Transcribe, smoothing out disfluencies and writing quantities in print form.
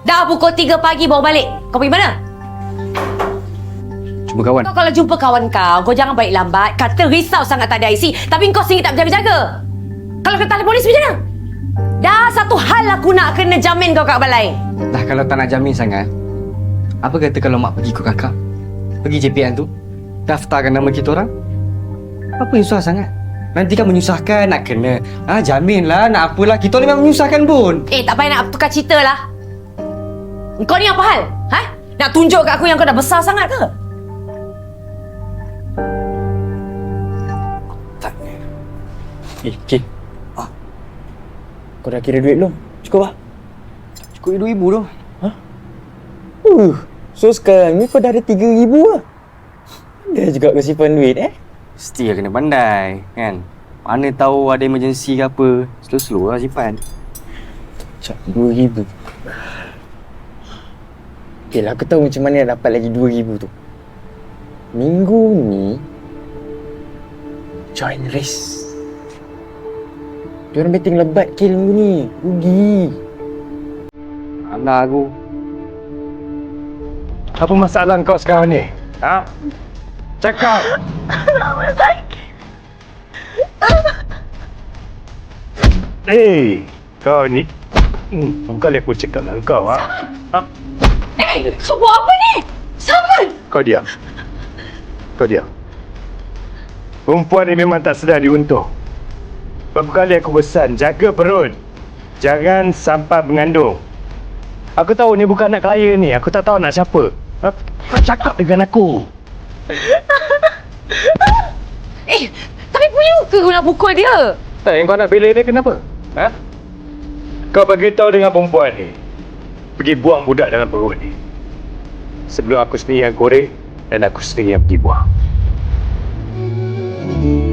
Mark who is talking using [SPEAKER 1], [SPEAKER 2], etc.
[SPEAKER 1] Dah pukul 3 pagi bawa balik. Kau pergi mana?
[SPEAKER 2] Jumpa kawan.
[SPEAKER 1] Kau kalau jumpa kawan kau jangan balik lambat. Kata risau sangat tak ada IC. Tapi kau sendiri tak berjaga-jaga. Kalau kena telefon polis macam mana? Dah satu hal aku nak kena jamin kau kat balai.
[SPEAKER 2] Dah kalau tak nak jamin sangat, apa kata kalau mak pergi ikut kakak? Pergi JPN tu, daftarkan nama kita orang. Apa yang susah sangat? Nanti kan menyusahkan, nak kena jamin lah, nak apalah. Kita ni memang menyusahkan pun.
[SPEAKER 1] Tak payah nak tukar cerita lah. Kau ni apa hal? Nak tunjuk kat aku yang kau dah besar sangat ke?
[SPEAKER 3] Kik. Kau dah kira duit belum? Cukup lah?
[SPEAKER 2] Cukup RM2,000 tu.
[SPEAKER 3] So sekarang ni kau dah ada RM3,000 lah. Dah juga kau simpan duit
[SPEAKER 2] Mesti lah kena pandai, kan? Mana tahu ada emergency ke apa. Slow-slow lah simpan.
[SPEAKER 3] Cak, RM2,000. Okay lah, aku tahu macam mana nak dapat lagi RM2,000 tu. Minggu ni join race. Diorang betting lebat kill minggu ni. Rugi.
[SPEAKER 2] Alah aku.
[SPEAKER 4] Apa masalah kau sekarang ni? Cakap. Kau ni. Kali aku cakap dengan kau.
[SPEAKER 1] Kau buat apa ni? Saman!
[SPEAKER 4] Kau diam. Perempuan ni memang tak sedar diuntung. Berapa kali aku pesan, jaga perut. Jangan sampai mengandung. Aku tahu ni bukan anak kaya ni. Aku tak tahu nak siapa. Kau cakap dengan aku.
[SPEAKER 1] Tapi punya ke kau nak pukul dia?
[SPEAKER 4] Yang kau nak bela dia kenapa? Kau beritahu dengan perempuan ni. Pergi buang budak dalam perut ni. Sebelum aku sendiri yang korek dan aku sendiri yang pergi buang.